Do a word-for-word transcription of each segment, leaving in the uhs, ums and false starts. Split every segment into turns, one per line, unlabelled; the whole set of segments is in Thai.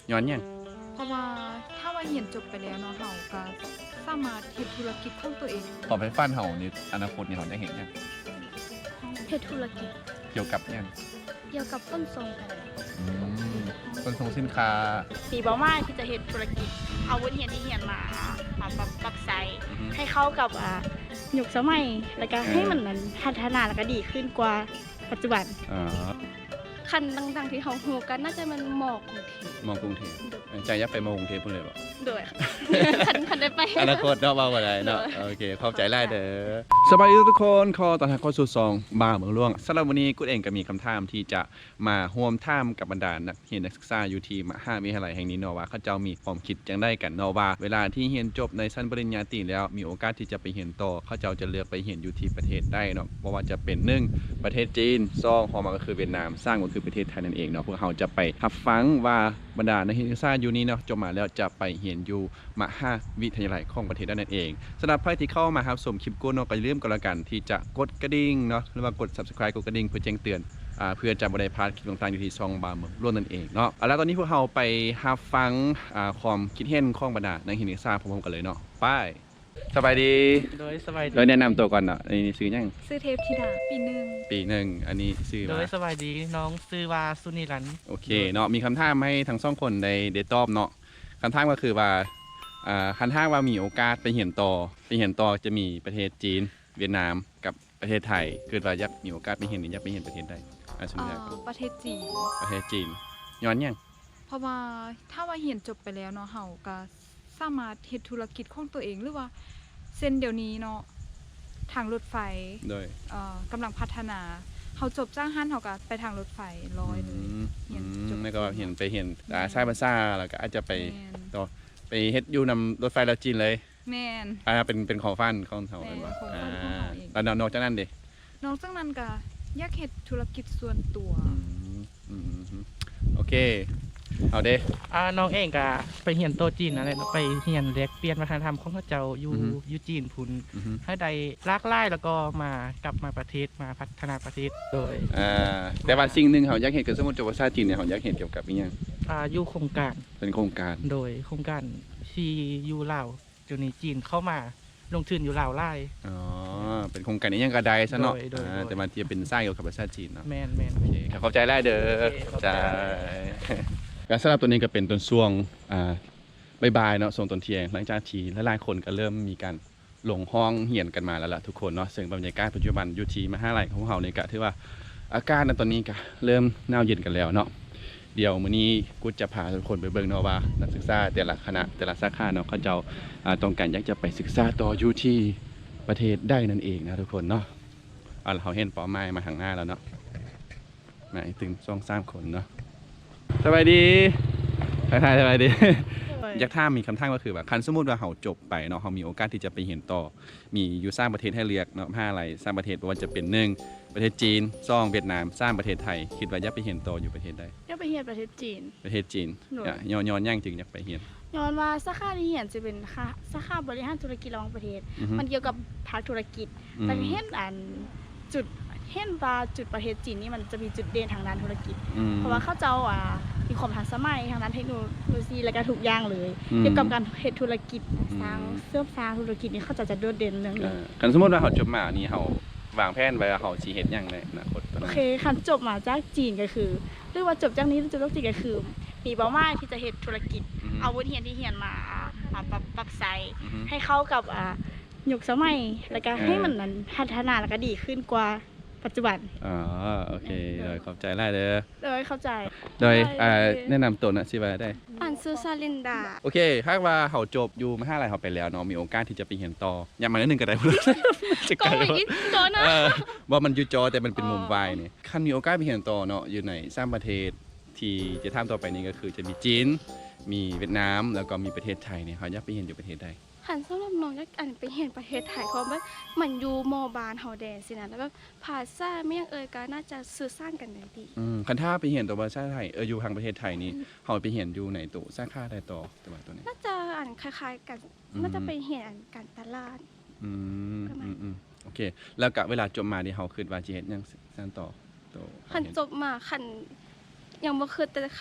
ย้อนยัง
เพราะว่าถ้าว่าเรียนจบไปแล้วเนาะเฮาก็สามารถเฮ็ดธุรกิจของตัวเอง
ต่อไปฟันเฮาในอนาคตนี่เฮาจะเห็นยัง
เฮ็ดธุรกิจ
เกี่ยวกับยัง
เกี่ยวกับขนส่งกัน
อืมขนส่งสินค้า
ปีเป้าหมายที่จะเฮ็ดธุรกิจเอาวุฒิเรียนที่เรียนมามาปรับปรับใช้ให้เข้ากับอ่ายุคสมัยแล้วก็ให้มันนั้นพัฒนาแล้วก็ดีขึ้นกว่าปัจจุบัน
อ๋อ
คันดังๆที่เฮาฮู้กันน่าจะมันหมอกกรุงเทพ
มองกรุงเทพใจอยากไปมองกรุงเทพพุ่นเลยบ่
ด้วยคันคันได้ไป
อนาคตเนาะว่าบ่ได้เนาะโอเคขอบใจหลายเด้อสบายดีทุกคนขอต้อนรับเข้าสู่ซองบ้าเมืองหลวงสำหรับวันนี้กูเองก็มีคำถามที่จะมาร่วมถามกับบรรดานักเรียนนักศึกษาอยู่ที่มหาวิทยาลัยแห่งนี้เนาะว่าเขาเจ้ามีความคิดจังได๋กันเนาะว่าเวลาที่เรียนจบในชั้นปริญญาตรีแล้วมีโอกาสที่จะไปเรียนต่อเขาเจ้าจะเลือกไปเรียนอยู่ที่ประเทศใดเนาะบ่ว่าจะเป็นหนึ่งประเทศจีนสองฮอมาก็คือเวียดนามสามก็คือประเทศไทยนั่นเองเนาะพวกเราจะไปรับฟังว่าบรรดานักศึกษาอยู่นี้เนาะจบมาแล้วจะไปเรียนอยู่มหาวิทยาลัยของประเทศนั่นเองสำหรับใครที่เข้ามารับชมคลิปกูเนาะก็อย่าลืมกันละกันที่จะกดกระดิ่งเนาะหรือว่ากด Subscribe กดกระดิ่งเพื่อแจ้งเตือนอ่าเพื่อจะบ่ได้พลาดคลิปต่างๆอยู่ที่ช่องบ้าเมืองหลวงนั่นเองเนาะเอาล่ะตอนนี้พวกเราไปรับฟังอ่าความคิดเห็นของบรรดานักศึกษาพร้อมๆกันเลยเนาะไปสบายดี
โดยสบายดี
โดยแนะนำตัวก่อนเนาะอันนี้ชื่อหยัง
ชื่อเทพธิดาปีหนึ่ง
ปีหนึ่งอันนี้ชื่อ
โดยสบายดีน้องชื่อว่าสุนิรันท์
โอเคเนาะมีคำถามให้ทั้งสองคนได้ได้ตอบเนาะคำถามก็คือว่าอ่าคันถ้าว่ามีโอกาสไปเรียนต่อไปเรียนต่อจะมีประเทศจีนเวียดนามกับประเทศไทยคือว่าอยากมีโอกาสไปเรียนอยากไปเรียนประเทศใดอ่าสมมุติ
ประเทศจีน
ประเทศจีนย้อนยัง
เพราะว่าถ้าว่าเรียนจบไปแล้วเนาะเฮาก็สามารถเฮ็ดธุรกิจของตัวเองหรือว่าเส้นเดี๋ยวนี้เนาะทางรถไฟ
โดย
เอ่อกำลังพัฒนาเฮาจบจ้างหันเฮาก็ไปทางรถไฟร้อยเลย
เรียนจบแล้วก็เห็นไปเห็นอ่าใช้ภาษาแล้วก็อาจจะไปต่อไปเฮ็ดอยู่นำรถไฟลาวจีนเลย
แม่น
อ่าเป็นเป็นของฟันของเฮาเป็นว่าอ่าแล้วนอกจากนั้นดิ
นอกจากนั้นก็อยากเฮ็ดธุรกิจส่วนตัว
อืมโอเคเอาเด้
อ่าน้องเองก็ไปเรียนโตจีนนั่นแหละไปเรียนแลกเปลี่ยนวัฒนธรรมของเขาเจ้าอยู่อยู่จีนพุ่นให้ได้หลากหลายแล้วก็มากลับมาประเทศมาพัฒนาประเทศโดย
อ่าแต่ว่าสิ่งนึงเฮาอยากเห็นคือสมมุติจบภาษาจีนเนี่ยเฮาอยากเห็นเกี่ยวกับอีหยัง
อ่าอยู่โครงการ
เป็นโครงการ
โดยโครงการที่อยู่ลาวจนในจีนเข้ามาลงทุนอยู่ลาวหลาย
อ๋อเป็นโครงการอีหยังก็ได้ซะเนาะอ่าแต่มันจะเป็นสร้างเกี่ยวกับภาษาจีนเนาะ
แม่นๆ
โอเคเข้าใจหลายเด้อจ้าการสำหรับตัวนี้ก็เป็นต้นช่วงอ่าบ่ายๆเนาะช่วงตอนเที่ยงหลังจากที่หลายๆคนก็เริ่มมีการลงห้องเรียนกันมาแล้วล่ะทุกคนเนาะซึ่งบรรยากาศปัจจุบันอยู่ที่มหาวิทยาลัยของเฮานี่ก็ถือว่าอากาศในตอนนี้ก็เริ่มหนาวเย็นกันแล้วเนาะเดี๋ยวมื้อนี้กูจะพาทุกคนไปเบิ่งเนาะว่านักศึกษาแต่ละคณะแต่ละสาขาเนาะเขาเจ้าอ่าต้องการอยากจะไปศึกษาต่ออยู่ที่ประเทศใดนั่นเองนะทุกคนเนาะอ่าเราเห็นเป้าหมายมาข้างหน้าแล้วเนาะมาถึงสองสามคนเนาะสวัสดีทักทายสวัสดีอยากถามมีคำถามก็คือว่าคันสมมุติว่าเฮาจบไปเนาะเฮามีโอกาสที่จะไปเรียนต่อมีอยู่สามประเทศให้เลือกเนาะห้าอะไรสามประเทศบ่ว่าจะเป็นหนึ่งประเทศจีนสองเวียดนามสามประเทศไทยคิดว่าอยากไปเรียนต่ออยู่ประเทศใด
อยากไปเรียนประเทศจีน
ประเทศจีนย้อนย้อนย่างจึงอยากไปเรียน
ย้อนว่าสาขาที่เรียนจะเป็นสาขาบริหารธุรกิจระหว่างประเทศมันเกี่ยวกับภาคธุรกิจแต่เห็นอันจุดเห็นว่าจุดประเทศจีนนี่มันจะมีจุดเด่นทางด้านธุรกิจเพราะว่าเขาเจ้าอ่ามีความทันสมัยทางด้านเทคโนโลยีและก็ทุกอย่างเลยเกี่ยวกับการเฮ็ดธุรกิจสร้างเสริมสร้างธุรกิจนี่เขาจะจะโดดเด่นเรื่องนี้
คันสมมุติว่าเฮาจบมานี่เฮาวางแผนไว้ว่าเฮาสิเฮ็ดหยังในอนาคต
โอเคคันจบมาจากจีนก็คือหรือว่าจบจากนี้หรือจบจากจีนก็คือมีเป้าหมายที่จะเฮ็ดธุรกิจเอาวุฒิเรียนที่เรียนมามาปรับปรับใช้ให้เข้ากับอ่ายุคสมัยแล้วก็ให้มันนั้นพัฒนาแล้วก็ดีขึ้นกว่าปัจจุบัน
อ๋อโอเคโดยขอบใจหลายเด้อ
โดยเข้าใจ
โดยอ่าแนะนำตัวน่ะสิว่าได้
อันชื่อซาลินดา
โอเคถ้าว่าเฮาจบอยู่มหาวิทยาลัยเฮาไปแล้วเนาะมีโอกาสที่จะไปเรียนต่ออย่ามานิดนึงก็ได้พุ่นจะ
ก็อีกจอนะ
ว่ามันอยู่จอแต่มันเป็นมุมวายนี่คันมีโอกาสไปเรียนต่อเนาะอยู่ในสามประเทศที่จะถามต่อไปนี้ก็คือจะมีจีนมีเวียดนามแล้วก็มีประเทศไทยเนี่ยเฮาอยากไปเรียนอยู่ประเทศใด
หันสำหรับน้องอยากอันไปเห็นประเทศไทยเพราะว่ามันอยู่มอบานเฮาแดสินะแล้วแบบภาษาไม่ยังเอ่ยก็น่าจะสื่อสารกันได้ดี
อืมคันถ้าไปเห็นตัวภาษาไทยเอออยู่ทางประเทศไทยนี่เฮาไปเห็นอยู่ไหนตัวสาขาใดต่อตัวตัวนี้
น่าจะอันคล้ายๆกันน่าจะไปเห็นการตลาด
อืมอืมๆโอเคแล้วก็เวลาจบมานี่เฮาคิดว่าสิเฮ็ดหยังซั่นต่อ
คันจบมาคันยังบ่คิดแต่คัน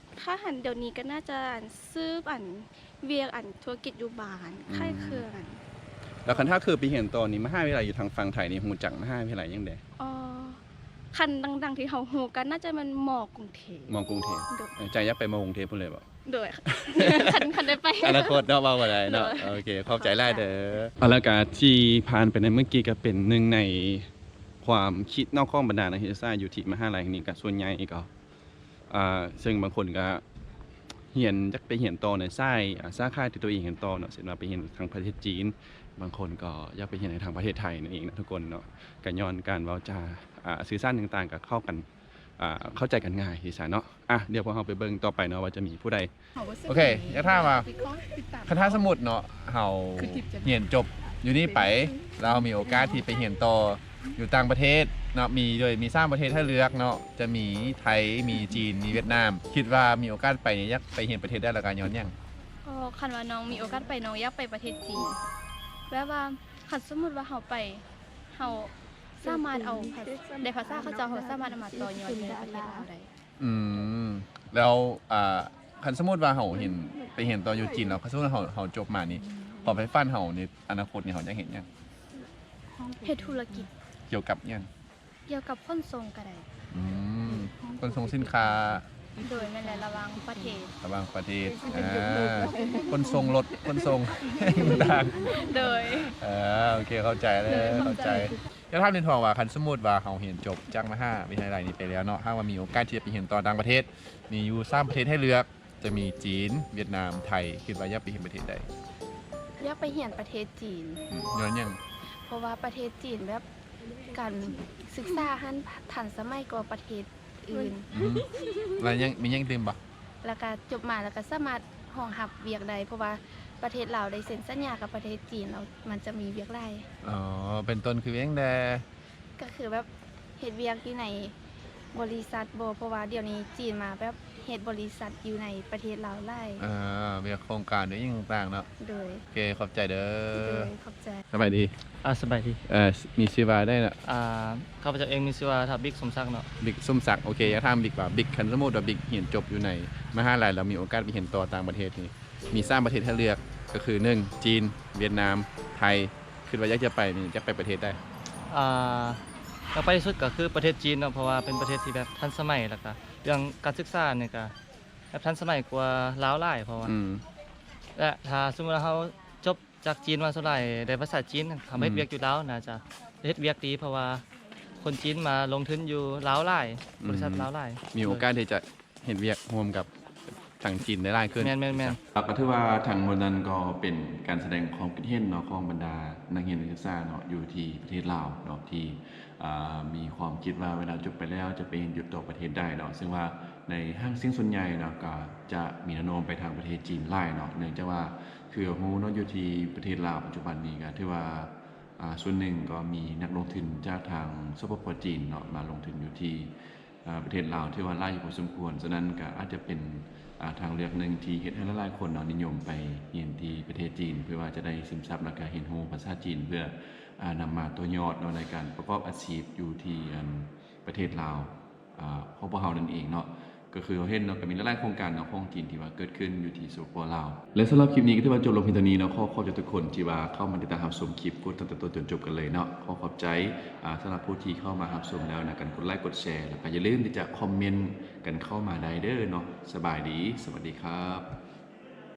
ค่าหันเดี๋ยวนี้ก็น่าจะอันซื้ออันเวียกอันธุรกิจอยู่บ้านค่ายเครื่องอัน
แล้วคันถ้าคือไปเห็นตอนนี้มหาวิทยาลัยอยู่ทางฝั่งไทยนี่ฮู้จักมหาวิทยาลัยยังได
อ๋อคันดังๆที่เฮาฮู้กันน่าจะมันหมอกรุงเทพ
มองกรุงเทพ
โดย
เออใจอยากไปมองกรุงเทพพุ่นเลยบ่
โดย คันคันได้ไป
อนาคตเนาะเว้าบ่ได้เนาะ
เนอะ
โอเคเข้าใจหลายเด้อเอาละก็ที่ผ่านไปในเมื่อกี้ก็เป็นหนึ่งในความคิดนอกข้องบรรดานักศึกษาอยู่ที่มหาลัยแห่งนี้ก็ส่วนใหญ่ก็อ่าซึ่งบางคนก็เรียนจักไปเรียนต่อในสายอ่าสาขาที่ตัวเองเรียนต่อเนาะเช่นว่าไปเรียนทางประเทศจีน บางคนก็อยากไปเรียนในทางประเทศไทยนั่นเองนะทุกคนเนาะก็ย้อนการเว้าจาอ่าสื่อสารต่างๆก็เข้ากันอ่าเข้าใจกันง่ายที่ซะเนาะอ่ะเดี๋ยวพวกเราไปเบิ่งต่อไปเนาะว่าจะมีผู้ใด โอเคอยากถามว่า คาถาสมุดเนาะเฮาเรียนจบอยู่นี่ไปเรามีโอกาสที่ไปเรียนต่ออยู่ต่างประเทศเนาะมีโดยมีสร้างประเทศให้เลือกเนาะจะมีไทยมีจีนมีเวียดนาม คิดว่ามีโอกาสไปเนี่ยอยากไปเรียนประเทศได้ละกันย้อนหยัง
อ๋อคันว่าน้องมีโอกาสไปน้องอยากไปประเทศจีนแบบว่าคันสมมุติว่าเฮาไปเฮาสามารถเอาภาษาได้ภาษาเขาเจ้าเฮาสามารถเอามาต่อยอดในประเทศเราได้
อืมแล้วอ่าคันสมมุติว่าเฮาเห็นไปเรียนต่ออยู่จีนแล้วคันสมมุติว่าเฮาเฮาจบมานี่พอไปฟันเฮาในอนาคตนี่เฮาจะเห็นหยัง
เฮ็ดธุรกิจ
เกี่ยวกับหยัง
เกี่ยวกับขนส่งก็ได้
อืมขนส่งสินค้า
โดยแม่นแหละระหวังประเทศ
ระหว่างประเทศอ่าขนส่งรถขนส่ง ต่าง
โดย
เออโอเคเข้าใจเลยเข้าใจแล้วถ้าเรียนทองว่าคันสมมุติว่าเขาเรียนจบจากมหาวิทยาลัยนี้ไปแล้วเนาะถ้าว่ามีโอกาสที่จะไปเรียนต่อต่างประเทศมีอยู่สามประเทศให้เลือกจะมีจีนเวียดนามไทยคิดว่าอยากไปเรียนประเทศใด
อยากไปเรียนประเทศจีน
อืมย้อนหยัง
เพราะว่าประเทศจีนแบบการศึกษาหันทันสมัยกว่าประเทศอื่น
อืมแล้วยังมีหยังตื่มบ่
แล้วก็จบมาแล้วก็สามารถห้องหับเวียกได้เพราะว่าประเทศเราวได้เซ็นสัญญากับประเทศจีนแล้วมันจะมีเวียกได้
อ๋อเป็นต้นคือยังแด
ก็คือแบบเฮ็ดเวียกอยู่ในบริษัทบ่เพราะว่าเดี๋ยวนี้จีนมาแบบเฮ็ดบริษัทอยู่ในประเทศเราวหลาย
อ่ามีโครงการด้วยยังต่างๆเนาะ
โดย
โอเคขอบใจเด้
โด
อย
ขอบใจ
สบายดี
อ่าสบายดี
เอ่อมีชื่อว่าได้น่ะ
อ่าข้าพเจ้าเองมีชื่อว่าทับบิ๊กสมศักดิ์เนาะ
บิ๊กสมศักดิ์โอเคอยากถามบิ๊กว่าบิ๊กคันสมมุติว่าบิ๊กเรียนจบอยู่ในมหาลัยแล้วมีโอกาสไปเรียนต่อต่างประเทศนี่มีสามประเทศให้เลือกก็คือหนึ่งจีน เวียดนาม ไทยคิดว่าอยากจะไปนี่จะไปประเทศใด
อ่าแล้วไปที่สุดก็คือประเทศจีนเนาะเพราะว่าเป็นประเทศที่แบบทันสมัยแล้วก็เรื่องการศึกษาเนี่ยก็แบบทันสมัยกว่าลาวหลายเพราะว่า
อืม
และถ้าสมมุติว่าเขาจบจากจีนมาสุดหลายได้ภาษาจีนทำให้
อืม
เวียกอยู่ลาวน่าจะเฮ็ดเวียกดีเพราะว่าคนจีนมาลงทุนอยู่ลาวหลายบริษัทลาวหลาย
มีโอกาสที่จะเห็นเวียกร่วมกับทางจีนได้หลายขึ้น
แม่นแม่นแม่น
ครับก็ถือว่าทางมวลนั้นก็เป็นการแสดงความคิดเห็นเนาะของบรรดานักเรียนนักศึกษาเนาะอยู่ที่ประเทศลาวเนาะที่อ่ามีความคิดว่าเวลาจบไปแล้วจะไปเรียนอยู่ต่อประเทศได้เนาะซึ่งว่าในห้างสิ่งส่วนใหญ่เนาะก็จะมีแนวโน้มไปทางประเทศจีนหลายเนาะเนื่องจากว่าคือฮู้เนาะอยู่ที่ประเทศลาวปัจจุบันนี้ก็ถือว่าอ่าส่วนหนึ่งก็มีนักลงทุนจากทางสปปจีนเนาะมาลงทุนอยู่ที่อ่าประเทศลาวที่ว่าหลายอยู่พอสมควรฉะนั้นก็อาจจะเป็นอ่าทางเลือกหนึ่งที่เฮ็ดให้หลายๆคนเนาะนิยมไปเรียนที่ประเทศจีน เพื่อว่าจะได้ซึมซับและก็เรียนรู้ภาษาจีนเพื่ออ่านำมาตัวยอดเนาะในการประกอบอาชีพอยู่ที่อันประเทศลาวอ่าของพวกเรานั่นเองเนาะก็คือเราเห็นเนาะก็มีหลายๆโครงการเนาะของจีนที่ว่าเกิดขึ้นอยู่ที่สปปลาวและสำหรับคลิปนี้ก็ถือว่าจบลงเพียงเท่านี้เนาะขอขอบใจทุกคนที่ว่าเข้ามาติดตามรับชมคลิปพูดตั้งแต่ต้นจนจบกันเลยเนาะขอขอบใจอ่าสำหรับผู้ที่เข้ามารับชมแล้วนะกันกดไลค์กดแชร์แล้วก็อย่าลืมที่จะคอมเมนต์กันเข้ามาได้เด้อเนาะสบายดีสวัสดีครับ